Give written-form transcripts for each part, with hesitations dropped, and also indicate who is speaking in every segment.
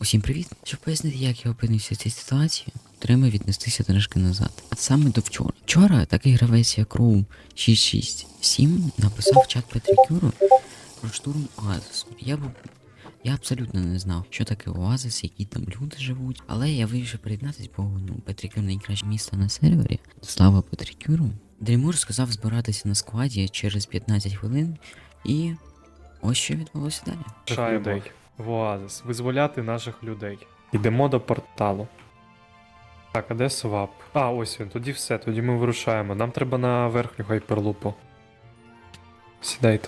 Speaker 1: Усім привіт! Щоб пояснити, як я опинився в цій ситуації, треба віднестися трошки назад. А саме до вчора. Вчора такий гравець, як Роу 667, написав в чат Петрикюру про штурм Оазису. Я абсолютно не знав, що таке Оазис, які там люди живуть, але я вирішив приєднатися, бо Петрикюр найкраще місто на сервері. Слава Петрикюру. Дрімур сказав збиратися на складі через 15 хвилин, і ось що відбулося далі.
Speaker 2: Людей в Оазис. Визволяти наших людей. Йдемо до порталу. Так, а де свап? А, ось він, тоді все, тоді ми вирушаємо. Нам треба на верхню хайперлупу. Сідайте.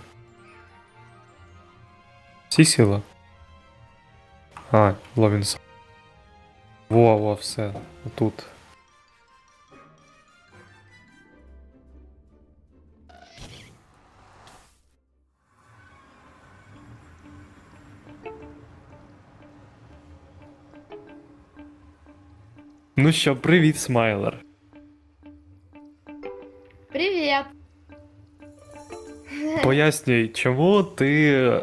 Speaker 2: Всі сіли? А, Ловінс. Во, все. Отут. Ну що, привіт, Смайлер.
Speaker 3: Привет.
Speaker 2: Пояснюй, чому ти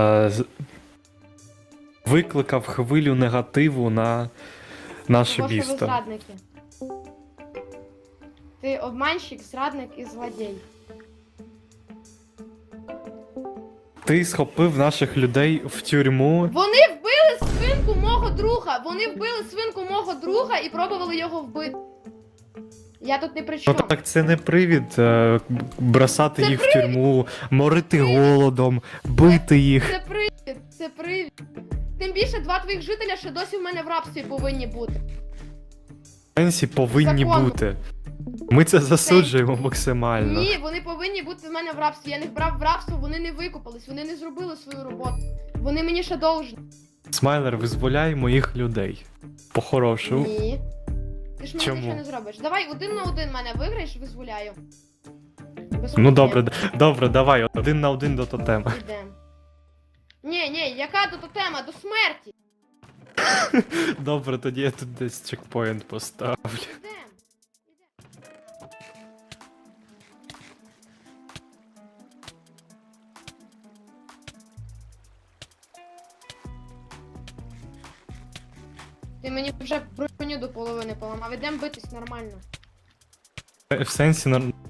Speaker 2: викликав хвилю негативу на наше
Speaker 3: Тому що ви
Speaker 2: місто?
Speaker 3: зрадники. Ти обманщик, зрадник і злодій.
Speaker 2: Ти схопив наших людей в тюрму.
Speaker 3: Вони вбили свинку мого друга! Вони вбили свинку мого друга і пробували його вбити. Я тут не при
Speaker 2: Ну
Speaker 3: чому.
Speaker 2: так це не привід бросати
Speaker 3: Це
Speaker 2: їх в тюрму, морити голодом, бити їх.
Speaker 3: Це привід, це привід. Тим більше два твоїх жителя ще досі в мене в рабстві повинні бути.
Speaker 2: Сенсі повинні
Speaker 3: Законно.
Speaker 2: бути. Ми це засуджуємо максимально.
Speaker 3: Ні, вони повинні бути в мене в рабстві. Я їх брав в рабство, вони не викупались, вони не зробили свою роботу. Вони мені ще должні.
Speaker 2: Смайлер, визволяй моїх людей. По-хорошому.
Speaker 3: Ні. Ти ж мені
Speaker 2: Чому?
Speaker 3: нічого не зробиш. Давай 1 на 1 мене виграєш, визволяю. Без
Speaker 2: Ну
Speaker 3: проблем.
Speaker 2: добре, давай, 1 на 1 до тотема.
Speaker 3: Ідем. Ні, яка тут тема? До смерті.
Speaker 2: Добре, тоді я тут десь чекпоінт поставлю.
Speaker 3: Ідем. Ти мені вже броню до половини поламав. Ідем битись нормально.
Speaker 2: В сенсі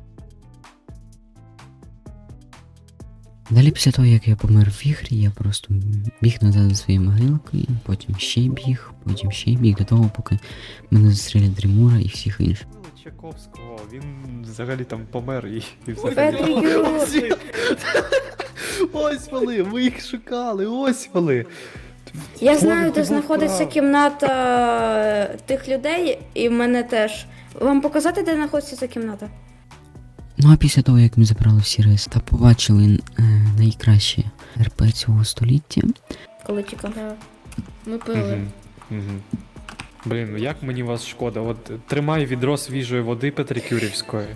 Speaker 1: Далі після того, як я помер в ігрі, я просто біг назад за своєю могилкою, потім ще біг до того, поки мене застрілять Дрімура і всіх інших.
Speaker 2: Чайковського, він взагалі там помер і все.
Speaker 4: Петрикюр.
Speaker 2: Ось вони, ви їх шукали, ось вони.
Speaker 4: Я знаю, де
Speaker 2: Бог
Speaker 4: знаходиться
Speaker 2: прав.
Speaker 4: кімната тих людей, і в мене теж. Вам показати, де знаходиться ця кімната?
Speaker 1: Ну а після того, як ми забрали всі рейс та побачили найкраще РП цього століття,
Speaker 4: Коли тікав. Ми пили.
Speaker 2: Мгм, мгм. Блін, ну як мені вас шкода. От тримай відро свіжої води Петрикюрівської.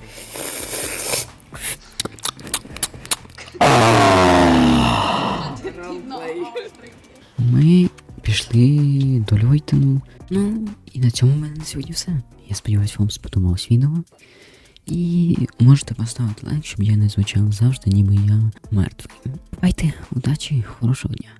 Speaker 1: ми пішли до Льойтену. Ну, і на цьому в мене на сьогодні все. Я сподіваюся, вам сподобалось відео. І можете поставити лайк, щоб я не звучав завжди, ніби я мертвий. Бувайте, удачі, хорошого дня.